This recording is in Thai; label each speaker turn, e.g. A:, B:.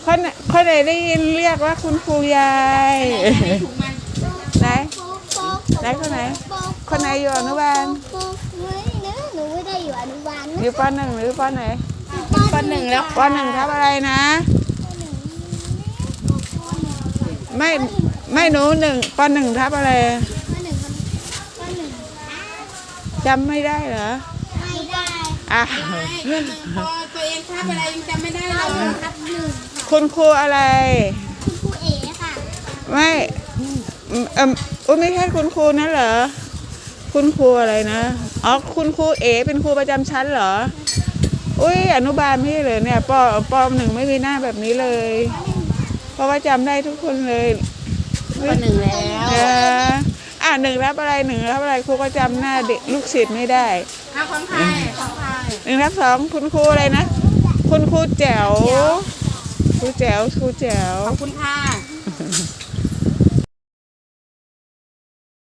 A: คนไหนได้ยินเรียกว่าคุณครูยายไหนคนไหนคนไหนอยู่อนุบาล
B: หนูไม่ได้อยู่อนุบาล
A: อยู่ป.1หรือป.ไหน
B: ป.1แล้ว
A: ป.1ทับอะไรนะไม่หนูป.1ทับอะไรจำไม่ได้เหรอ
B: ไม่ได้
A: อ่ะ
C: พอตัวเองทับอะไรยังจำไม่ได้เรา
B: ทับ1
A: คุณครูอะไร
B: คุณครูเอ๋ค่ะ
A: ไม่ไม่ใช่คุณครูนั่นเหรอคุณครูอะไรนะอ๋อคุณครูเอ๋เป็นครูประจำชั้นเหรออุ้ยอนุบาลพี่เลยเนี่ยป.1ไม่มีหน้าแบบนี้เลยเพราะว่าจำได้ทุกคนเลย
C: ป.1แล้ว
A: 1รับอะไร1รับอะไรครูก็จำหน้าเด็กลูกศิษย์ไม่ได้
C: ของไทย
A: 1รับ2คุณครูอะไรนะคุณครูแจ๋วครูแจ๋ว
C: ขอบคุณค่ะ